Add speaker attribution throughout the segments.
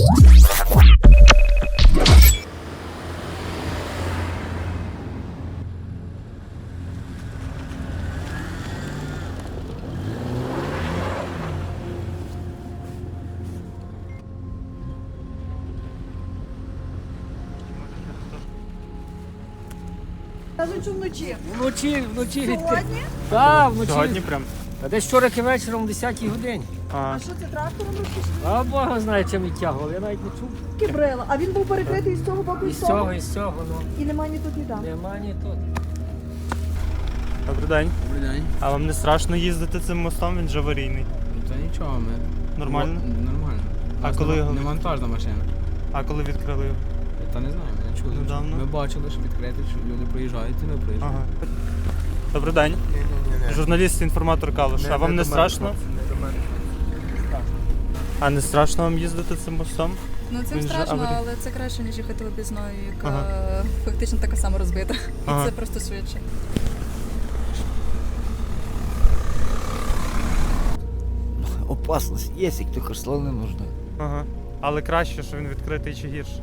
Speaker 1: Кажуть, що вночі.
Speaker 2: Вночі.
Speaker 1: Сьогодні?
Speaker 2: Так, вночі.
Speaker 3: Сьогодні прям.
Speaker 2: А десь вчора вечором о 10-й годині.
Speaker 1: А що це трактором розпішли?
Speaker 2: А Бога знає, чим відтягував. Я навіть не чув.
Speaker 1: Кібрила. А він був перекритий з цього боку і з того?
Speaker 2: І з цього, ну.
Speaker 1: І нема ні тут, ні там.
Speaker 2: Нема ні тут.
Speaker 3: Добрий день.
Speaker 4: Добрий день.
Speaker 3: А вам не страшно їздити цим мостом? Він же аварійний.
Speaker 4: Та нічого, ми.
Speaker 3: Нормально?
Speaker 4: Нормально.
Speaker 3: А
Speaker 4: У нас
Speaker 3: коли його
Speaker 4: не вантажна машина.
Speaker 3: А коли відкрили його?
Speaker 4: Та не знаю, ми не чули.
Speaker 3: Недавно?
Speaker 4: Ми бачили, що відкрити, що люди проїжджають і ми проїжджаємо.
Speaker 3: Ага. Добрий день. Журналіст, інформатор Калуш. А вам не страшно? А не страшно вам їздити цим мостом?
Speaker 5: Ну цим
Speaker 3: Він же
Speaker 5: страшно,
Speaker 3: аварій-
Speaker 5: але це краще, ніж їхати обізною, яка фактично така сама розбита. І
Speaker 3: Ага.
Speaker 5: це просто швидше.
Speaker 6: Опасность есть, и только слов не нужно.
Speaker 3: Ага. Але краще, що він відкритий чи гірше?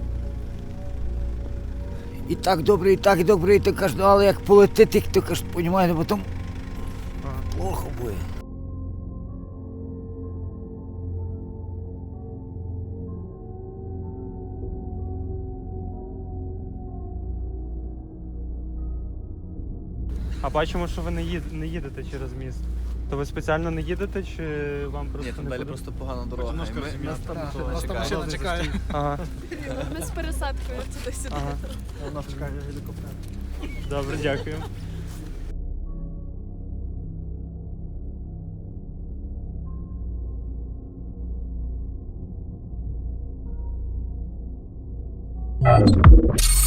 Speaker 6: І так добре, і то кажеш, ну, але як полетить, то кажеш, понімаєте, потім
Speaker 3: Ага.
Speaker 6: плохо буде.
Speaker 3: А бачимо, що ви не їдете через міст. То ви спеціально не їдете чи вам просто
Speaker 7: Ні, там
Speaker 3: не
Speaker 7: далі
Speaker 3: подобається?
Speaker 7: просто погана дорога. Нас там
Speaker 3: машина чекає. Ага.
Speaker 5: Ми з пересадкою туди-сюди.
Speaker 3: Ага.
Speaker 7: Вона чекає гелікоптер.
Speaker 3: Добре, дякую.
Speaker 8: Thank you.